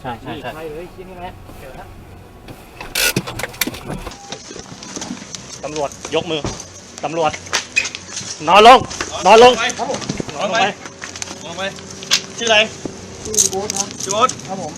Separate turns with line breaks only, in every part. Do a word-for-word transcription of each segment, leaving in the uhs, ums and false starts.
ใช่ใช่ใช่
ใช่เลยที่นี่แหละเจอแล้ว
ตำรวจยกมือตำรวจนอนลงนอนลง
ครับผม
นอนลงไป
มองไปชื่ออะไร
ชื่อโบ๊ทครับ
ชื่อโอ๊ต
ครับผม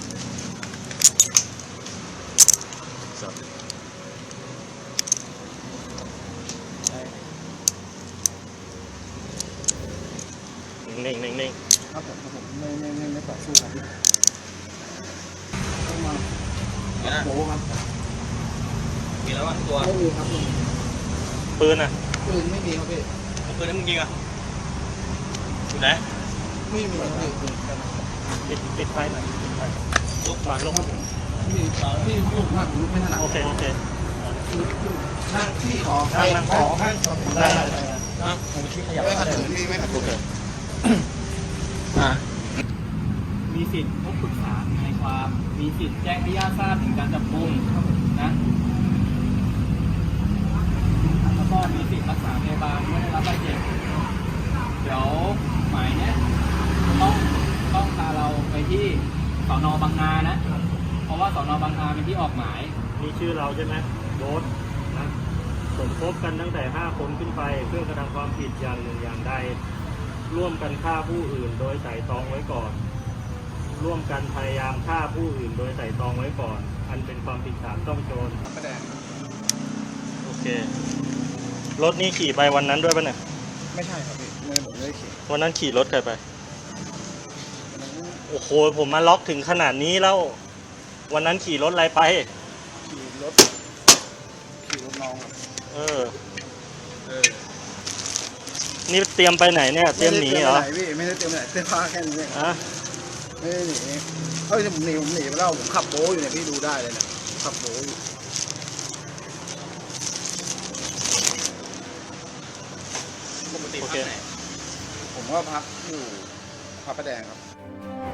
นิ่งนิ่งนิ่ง
ครับผมครับผมไม่ไม่ไม่ไม่ต่อสู้ครับพี่ต้องมา
เห็นนะ
โบ๊ทครับ
มีแล้วอ่ะตัว
ไม่มีครับพี่
ปืนอ่ะ
ปืนไม่มีครับพี่
เอาปืนให้มึงยิงอ่ะอยู่ไหน
ไม่มีครับพี่
ปิดปิดไฟหน่อยปิดไฟ
ลุก
วางลง
พี่พี่ลูกมากลูกไม่ถนัด
โอเคโอเค
นั่งพี่ขอ
นั่งนั่ง
ขอข้างได้
อ่ะผมชี้ขยับ
ไม่ขัดขืนพี่ไม่ขัดขื
โอน เค
อ่ะ
มีสิทธิ์พบปรึกษาในความ มีสิทธิ์แจ้งให้ญาติทราบถึงการจับกุมนะ แล้วก็มีสิทธิ์รักษาพยาบาลเมื่อได้รับบาดเจ็บ เดี๋ยวหมายเนี้ยต้องต้องพาเราไปที่สอนอบางนานะ เพราะว่าสอนอบางนาเป็นที่ออกหมาย
นี่ชื่อเราใช่ไหมโบ๊ทนะสมคบกันตั้งแต่ห้าคนขึ้นไปเพื่อกระทำความผิดอย่างหนึ่งอย่างใดร่วมกันฆ่าผู้อื่นโดยไตร่ตรองไว้ก่อน ร่วมกันพยายามฆ่าผู้อื่นโดยไตร่ตรองไว้ก่อน อันเป็นความผิดฐานต้องโจร
ไม่แดง
โอเครถนี้ขี่ไปวันนั้นด้วยป่ะเนี่ย
ไม่ใช่ครับพี่ไม่ได้ผมไม่ได้ขี่
วันนั้นขี่รถใครไปโอ้โหผมมาล็อกถึงขนาดนี้แล้ว วันนั้นขี่รถอะไรไป
ขี่รถขี่รถน้องครับ
เออ
เออ
นี่เตรียมไปไหนเนี่ยเตรียมหนีเหรอ
ไม่ได้เตรียมไปไหนพี่ไม่ได้เตรียมไปไหนเสื้อผ้าแค่นี้เอง
อะ
ไม่ได้หนีเอ้ยผมหนีผมหนีไปแล้วผมขับโบ๊อยู่เนี่ยพี่ดูได้เลยเนี่ยขับโบ๊อยู่
ปกติพักไหน
ผมก็พักอยู่พระประแดงครับ